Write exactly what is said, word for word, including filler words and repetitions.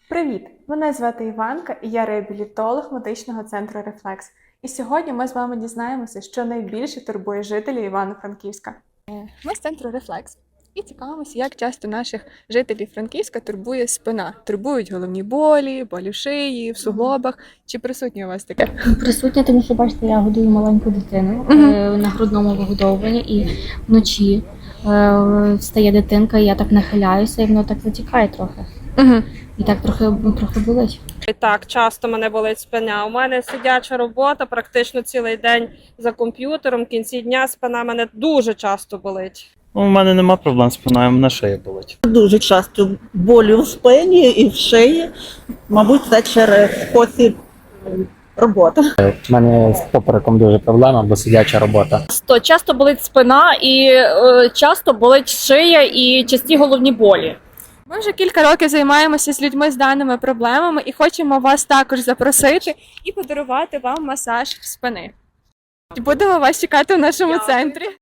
Привіт! Мене звати Іванка і я реабілітолог медичного центру «Рефлекс». І сьогодні ми з вами дізнаємося, що найбільше турбує жителів Івано-Франківська. Ми з центру «Рефлекс» і цікавимося, як часто наших жителів Франківська турбує спина. Турбують головні болі, болі в шиї, в суглобах. Чи присутнє у вас таке? Присутня, тому що, бачите, я годую маленьку дитину Мгм. е, на грудному вигодовуванні, і вночі е, встає дитинка, і я так нахиляюся, і воно так затікає трохи. Угу. І так трохи, трохи болить. І так, часто мене болить спина. У мене сидяча робота, практично цілий день за комп'ютером. В кінці дня спина мене дуже часто болить. У мене нема проблем з спиною, мене шия болить. Дуже часто болі в спині і в шиї. Мабуть, це через спосіб роботи. У мене з попереком дуже проблема, бо сидяча робота. То часто болить спина і е, часто болить шия і часті головні болі. Ми вже кілька років займаємося з людьми з даними проблемами і хочемо вас також запросити і подарувати вам масаж спини. Будемо вас чекати в нашому центрі.